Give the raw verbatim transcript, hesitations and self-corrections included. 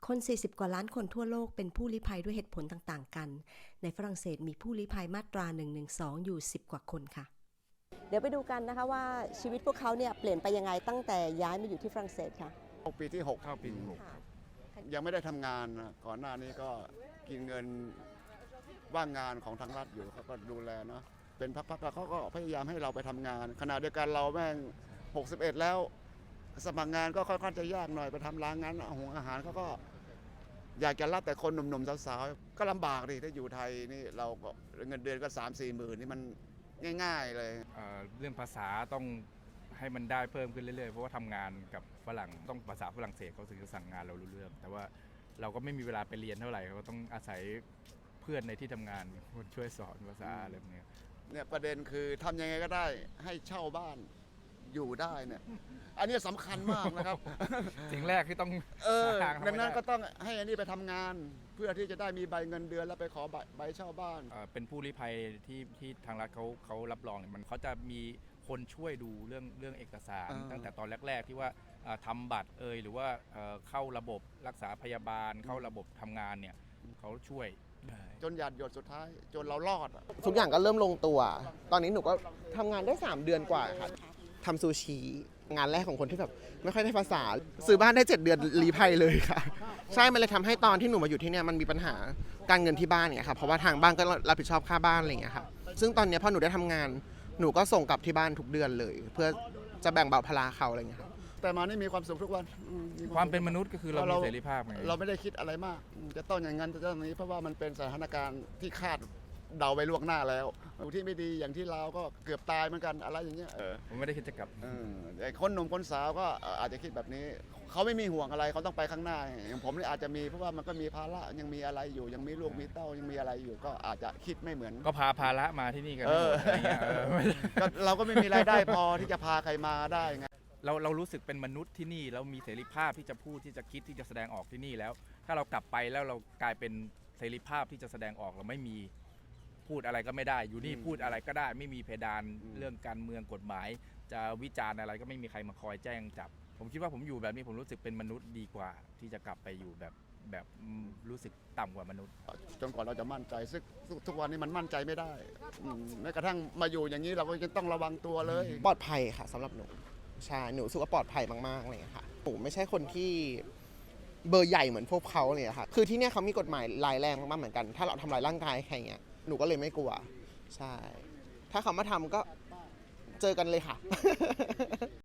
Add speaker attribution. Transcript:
Speaker 1: คน สี่สิบ กว่าล้านคนทั่วโลกเป็นผู้ลี้ภัยด้วยเหตุผลต่างๆกัน ในฝรั่งเศสมีผู้ลี้ภัยมาตรา หนึ่งหนึ่งสอง อยู่ สิบ กว่าคนค่ะ เดี๋ยวไปดูกันนะคะว่าชีวิตพวกเขาเนี่ยเปลี่ยนไปยังไงตั้งแต่ย้ายมาอยู่ที่ฝรั่งเศสค่ะ
Speaker 2: ปีที่หก
Speaker 3: เข้าปีที่หก
Speaker 2: ยังไม่ได้ทำงานนะก่อนหน้านี้ก็กินเงินว่างงานของทางรัฐอยู่เขาก็ดูแลเนาะเป็นพักๆแล้วเขาก็พยายามให้เราไปทำงานขณะเดียวกันเราแม่งหกสิบเอ็ดแล้วสมัครงานก็ค่อนข้างจะยากหน่อยไปทำร้านงานหุงอาหารเขาก็อยากจะรับแต่คนหนุ่มๆสาวๆก็ลำบากดิถ้าอยู่ไทยนี่เราก็เงินเดือนก็สามสี่หมื่นนี่มันง่ายๆเลย
Speaker 3: เอ่อเรื่องภาษาต้องให้มันได้เพิ่มขึ้นเรื่อยๆเพราะว่าทำงานกับฝรั่งต้องภาษาฝรั่งเศสเขาถึงจะสั่งงานเรารู้เรื่องแต่ว่าเราก็ไม่มีเวลาไปเรียนเท่าไหร่เราก็ต้องอาศัยเพื่อนในที่ทำงานคนช่วยสอนภาษาอะไรแบบนี้
Speaker 2: เนี่ยประเด็นคือทำยังไงก็ได้ให้เช่าบ้านอยู่ได้เนี่ยอันนี้สำคัญมากนะครับ
Speaker 3: สิ่งแรกที่ต้อง
Speaker 2: เออ
Speaker 3: หาทาง
Speaker 2: ดังนั้น
Speaker 3: ให้ได้
Speaker 2: ก็ต้องให้อันนี้ไปทำงาน เพื่อที่จะได้มีใบเงินเดือนแล้วไปขอใบใบเช่าบ้าน
Speaker 3: เอ่อเป็นผู้ลี้ภัยที่ที่ทางรัฐเขาเขารับรองเนี่ยมันเขาจะมีคนช่วยดูเรื่องเรื่องเอกสาร
Speaker 2: อ่า
Speaker 3: ตั้งแต่ตอนแรกๆที่ว่าเอ่อทำบัตรเอยหรือว่าเอ่อเข้าระบบรักษาพยาบาลเข้าระบบทำงานเนี่ยเขาช่วย
Speaker 2: จนหยาดหยดสุดท้าย จนเรารอดอะ
Speaker 4: ทุกอย่างก็เริ่มลงตัว ตอนนี้หนูก็ทำงานได้ สาม เดือนกว่าค่ะทำซูชิ งานแรกของคนที่แบบไม่ค่อยได้ภาษา ซื้อบ้านได้ เจ็ด เดือนรีภัยเลยค่ะ ใช่ มันเลยทำให้ตอนที่หนูมาอยู่ที่เนี่ยมันมีปัญหาการเงินที่บ้านเนี่ยค่ะ เพราะว่าทางบ้านก็รับผิดชอบค่าบ้านอะไรอย่างเงี้ยค่ะ ซึ่งตอนเนี้ยพอหนูได้ทำงาน หนูก็ส่งกลับที่บ้านทุกเดือนเลย เพื่อจะแบ่งเบาภาระเขาอะไรอย่างเงี้ยค่ะ
Speaker 2: แต่มานี่มีความสุขทุกวันอืมี
Speaker 3: ความเป็นมนุษย์ก็คือเรามีเสรีภาพไง
Speaker 2: เราไม่ได้คิดอะไรมาก จะต้องอย่างนั้นจะต้องอย่างนี้เพราะว่ามันเป็นสถานการณ์ที่คาดเดาไว้ล่วงหน้าแล้วที่ไม่ดีอย่างที่เราก็เกือบตายเหมือนกันอะไรอย่างเงี้ยเออ
Speaker 3: ผมไม่ได้คิดจะกลับ
Speaker 2: เออไอ้คนหนุ่มคนสาวก็อาจจะคิดแบบนี้ เขาไม่มีห่วงอะไรเขาต้องไปข้างหน้าอย่างผมนี่อาจจะมีเพราะว่ามันก็มีภาระยังมีอะไรอยู่ยังมีลูกมีเต้ายังมีอะไรอยู่ก็อาจจะคิดไม่เหมือน
Speaker 3: ก็พาภาระมาที่นี่กัน
Speaker 2: เออ
Speaker 3: อะไรเงี้ยเออไม่ได้
Speaker 2: ก็เราก็ไม่มีรายได้พอที่จะพาใครมาได้ไง
Speaker 3: เราเรารู้สึกเป็นมนุษย์ที่นี่แล้วมีเสรีภาพที่จะพูดที่จะคิดที่จะแสดงออกที่นี่แล้ว ถ้าเรากลับไปแล้วเรากลายเป็นเสรีภาพที่จะแสดงออกเราไม่มีพูดอะไรก็ไม่ได้ อยู่นี่
Speaker 2: อืม
Speaker 3: พูดอะไรก็ได้ ไม่มีเพดาน
Speaker 2: อืม
Speaker 3: เรื่องการเมืองกฎหมาย จะวิจารณ์อะไรก็ไม่มีใครมาคอยแจ้งจับ ผมคิดว่าผมอยู่แบบนี้ผมรู้สึกเป็นมนุษย์ดีกว่า ที่จะกลับไปอยู่แบบแบบอืมรู้สึกต่ำกว่ามนุษย์
Speaker 2: จนกว่าเราจะมั่นใจซึ่งทุกทุกวันนี้มันมั่นใจไม่ได้อืมแม้กระทั่งมาอยู่อย่างนี้เราก็ยังต้องระวังตัวเลย
Speaker 4: ปลอดภัยค่ะสำหรับหนู ใช่ หนูรู้สึกว่าปลอดภัยมากๆเลยค่ะ หนูไม่ใช่คนที่เบอร์ใหญ่เหมือนพวกเขาเลยค่ะ คือที่เนี่ยเขามีกฎหมายรายแรงมากๆเหมือนกัน ถ้าเราทำลายร่างกายใครเงี้ย หนูก็เลยไม่กลัว ใช่ ถ้าเขามาทำก็เจอกันเลยค่ะ